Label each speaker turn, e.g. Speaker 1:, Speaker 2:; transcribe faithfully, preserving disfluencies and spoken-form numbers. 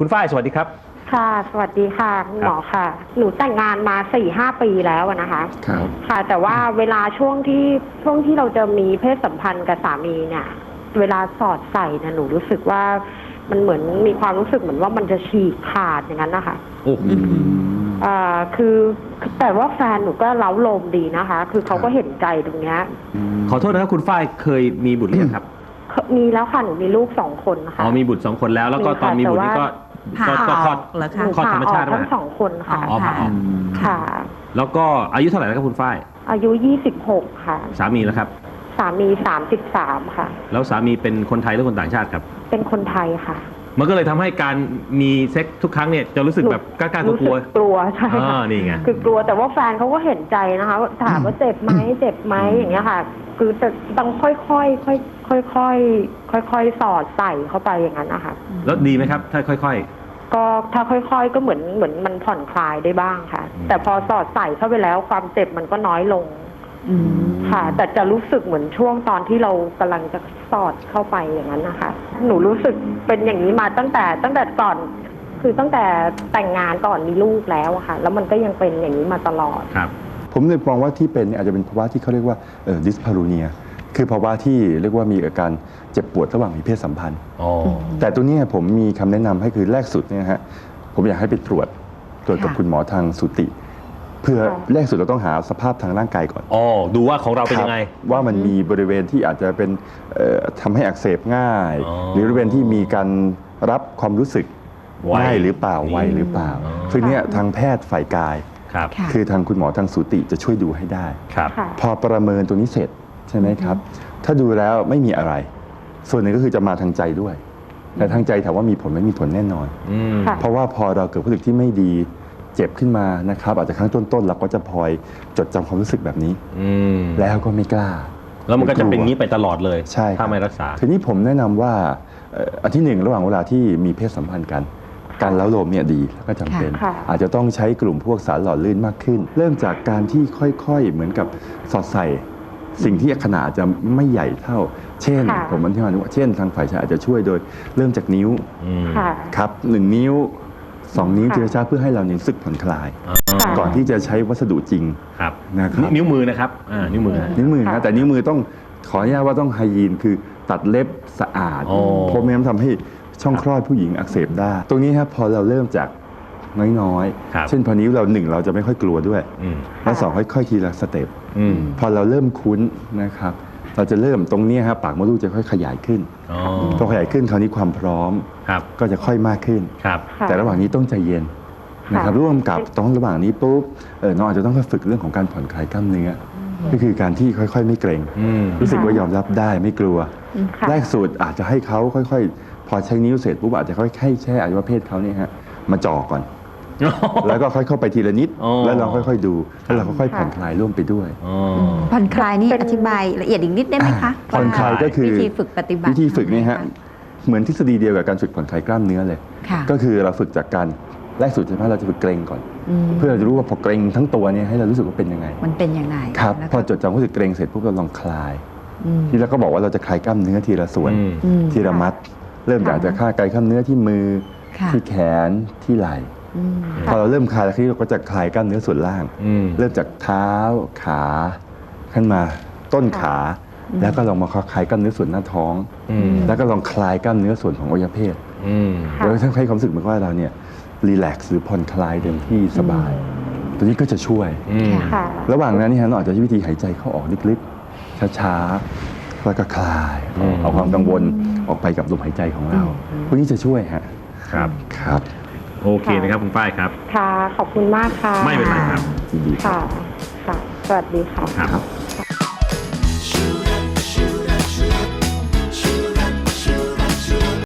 Speaker 1: คุณฝ้ายสวัสดีครับ
Speaker 2: ค่ะสวัสดีค่ะคุณหมอค่ะหนูแต่งงานมาสี่ห้าปีแล้วนะคะ
Speaker 3: ครับ
Speaker 2: ค่ะแต่ว่าเวลาช่วงที่ช่วงที่เราจะมีเพศสัมพันธ์กับสามีเนี่ยเวลาสอดใส่เนี่ยหนูรู้สึกว่ามันเหมือนมีความรู้สึกเหมือนว่ามันจะฉีกขาดอย่างนั้นนะคะ
Speaker 1: โอ้โห
Speaker 2: อ่าคือแต่ว่าแฟนหนูก็เล้าโลมดีนะคะคือเขาก็เห็นใจตรงเนี้ย
Speaker 1: ขอโทษนะครับคุณฝ้ายเคยมีบุตรหรือยังครับ
Speaker 2: มีแล้วค่ะหนูมีลูกสองคนนะคะ
Speaker 1: อ๋อมีบุตรสองคนแล้วแล้วก็ตอนมีบุตรนี่ก็ก็คลอดคลอดธรรมชาติ
Speaker 2: ทั้งสองคนค่ะ
Speaker 1: อ๋อผ่าออก
Speaker 2: ค่ะ
Speaker 1: แล้วก็อายุเท่าไหร่แล้วครับคุณฝ้าย
Speaker 2: อายุยี่สิบหกค่ะ
Speaker 1: สามีแล้วครับ
Speaker 2: สามีสามสิบสามค่ะ
Speaker 1: แล้วสามีเป็นคนไทยหรือคนต่างชาติครับ
Speaker 2: เป็นคนไทยค่ะ
Speaker 1: มันก็เลยทำให้การมีเซ็กทุกครั้งเนี่ยจะรู้สึกแบบกล้าๆกลัว
Speaker 2: กลัวใช่ค่ะ
Speaker 1: นี่ไง
Speaker 2: คือกลัวแต่ว่าแฟนเขาก็เห็นใจนะคะถามว่าเจ็บไหมเจ็บไหมอย่างเงี้ยค่ะคือจะต้องค่อยๆค่อยๆค่อยๆค่อยๆสอดใส่เข้าไปอย่างนั้นนะคะ
Speaker 1: แล้วดีไหมครับถ้าค่อย
Speaker 2: ๆก็ถ้าค่อยๆก็เหมือนเหมือนมันผ่อนคลายได้บ้างค่ะแต่พอสอดใส่เข้าไปแล้วความเจ็บมันก็น้อยลงค่ะแต่จะรู้สึกเหมือนช่วงตอนที่เรากำลังจะสอดเข้าไปอย่างนั้นนะคะหนูรู้สึกเป็นอย่างนี้มาตั้งแต่ตั้งแต่ก่อนคือตั้งแต่แต่งงานก่อนมีลูกแล้วค่ะแล้วมันก็ยังเป็นอย่างนี้มาตลอด
Speaker 1: ครับ
Speaker 3: ผมเลยมองว่าที่เป็นอาจจะเป็นภาวะที่เขาเรียกว่าดิสพารูเนียคือภาวะที่เรียกว่ามีอาการเจ็บปวดระหว่างมีเพศสัมพันธ์แต่ตัวนี้ผมมีคำแนะนำให้คือแรกสุดเนี่ยฮะผมอยากให้ไปตรวจตรวจกับคุณหมอทางสูติเพื่อแรกสุดเราต้องหาสภาพทางร่างกายก่อน
Speaker 1: อ๋อดูว่าของเราเป็นยังไง
Speaker 3: ว่ามันมีบริเวณที่อาจจะเป็นทำให้อักเสบง่ายหรือบริเวณที่มีการรับความรู้สึกง่ายหรือเปล่าไวหรือเปล่าซึ่งเนี่ยทางแพทย์ฝ่ายกายคือทางคุณหมอทางสูติจะช่วยดูให้ได้พอประเมินตัวนี้เสร็จใช่ไหมครับถ้าดูแล้วไม่มีอะไรส่วนหนึ่งก็คือจะมาทางใจด้วยแต่ทางใจถามว่ามีผลไม่มีผลแน่นอนเพราะว่าพอเราเกิดความรู้สึกที่ไม่ดีเจ็บขึ้นมานะครับอาจจะครั้งต้นๆเราก็จะพลอยจดจำความรู้สึกแบบนี้แล้วก็ไม่กล้า
Speaker 1: แล้วมันก็จะเป็นงี้ไปตลอดเลย
Speaker 3: ใช่
Speaker 1: ถ้าไม่รักษา
Speaker 3: ทีนี้ผมแนะนำว่าอันที่หนึ่งระหว่างเวลาที่มีเพศสัมพันธ์กันการเล้าโลมเนี่ยดีแล้วก็จำเป็นอาจจะต้องใช้กลุ่มพวกสารหล่อลื่นมากขึ้นเริ่มจากการที่ค่อยๆเหมือนกับสอดใส่สิ่งที่ขนาดจะไม่ใหญ่เท่าเช่นผมอธิบายว่าเช่นทางฝ่ายชายอาจจะช่วยโดยเริ่มจากนิ้วครับหนึ่งนิ้วสองนิ้วทีละช้าเพื่อให้เราเนี่ยรู้สึกผ่อนคลายก่อนที่จะใช้วัสดุจริง
Speaker 1: นะครับนิ้วมือนะครับนิ้วมือ
Speaker 3: นิ้วมือนะแต่นิ้วมือต้องขออนุญาตว่าต้องไฮยีนคือตัดเล็บสะอาดเพราะไม่งั้นทำให้ช่องคลอดผู้หญิงอักเสบได้ตรงนี้ครับพอเราเริ่มจากน้อยๆเช่นพอนิ้วเราหนึ่งเราจะไม่ค่อยกลัวด้วยและสองค่อยๆทีละสเต็ปพอเราเริ่มคุ้นนะครับเราจะเริ่มตรงนี้ครับปากมดลูกจะค่อยขยายขึ้นพอขยายขึ้นคราวนี้ความพร้อมก็จะค่อยมากขึ้นแต่ระหว่างนี้ต้องใจเย็นนะครับร่วมกับต้องระหว่างนี้ปุ๊บน้องอาจจะต้องฝึกเรื่องของการผ่อนคลายกล้ามเนื้อก็คือการที่ค่อยๆไม่เกรงรู้สึกว่ายอมรับได้ไม่กลัวแรกสุดอาจจะให้เขาค่อยๆพอใช้นิ้วเสร็จปุ๊บอาจจะค่อยๆแช่อวัยวะเพศเขาเนี่ยฮะมาจ่อก่อนแล้วก็ค่อยเข้าไปทีละนิดแล้วเราค่อยๆดูแล้วเราก็ค่อยผ่อนคลายร่วมไปด้วย
Speaker 4: ผ่อนคลายนี่อธิบายละเอียดอีกนิดได้ไหมคะ
Speaker 3: ผ่อนคลายก็คือ
Speaker 4: วิธีฝึกปฏิบัติ
Speaker 3: วิธีฝึกนี่ฮะเหมือนทฤษฎีเดียวกับการฝึกผ่อนคลายกล้ามเนื้อเลยก็คือเราฝึกจากการแรกสุดใช่ไหมเราจะฝึกเกร็งก่อนเพื่อเราจะรู้ว่าพอเกร็งทั้งตัวเนี่ยให้เรารู้สึกว่าเป็นยังไง
Speaker 4: มันเป็นยังไง
Speaker 3: ครับพอจดจำรู้สึกเกร็งเสร็จปุ๊บเราลองคลายที่แล้วก็บอกว่าเราจะคลายกล้ามเนื้อทีละส่วนทีละมัดเริ่มจากจะคลายกล้ามเนื้อที่มือที่แขนที่ไหล่พอเราเริ่มคลายแล้วเราก็จะคลายกล้ามเนื้อส่วนล่างเริ่มจากเท้าขาขึ้นมาต้นขาแล้วก็ลองมาคลายกล้ามเนื้อส่วนหน้าท้องแล้วก็ลองคลายกล้ามเนื้อส่วนของอวัยวะเพศแล้วถ้าให้ความรู้สึกเหมือนว่าเราเนี่ยรีแลกซ์หรือผ่อนคลายเต็มที่สบายตัวนี้ก็จะช่วยระหว่างนั้นนี่ฮะเราอาจจะใช้วิธีหายใจเข้าออกลึกๆช้าๆแล้วก็คลายเอาความกังวลออกไปกับลมหายใจของเราพวกนี้จะช่วยฮะ
Speaker 1: ครับ
Speaker 3: ครับ
Speaker 1: โอเคนะครับคุณฝ้ายครับ
Speaker 2: ค่ะขอบคุณมากค่ะ
Speaker 1: ไม่เป็นไรครับ
Speaker 2: ค่ะค่ะสวัสดีค่ะ
Speaker 3: ครับ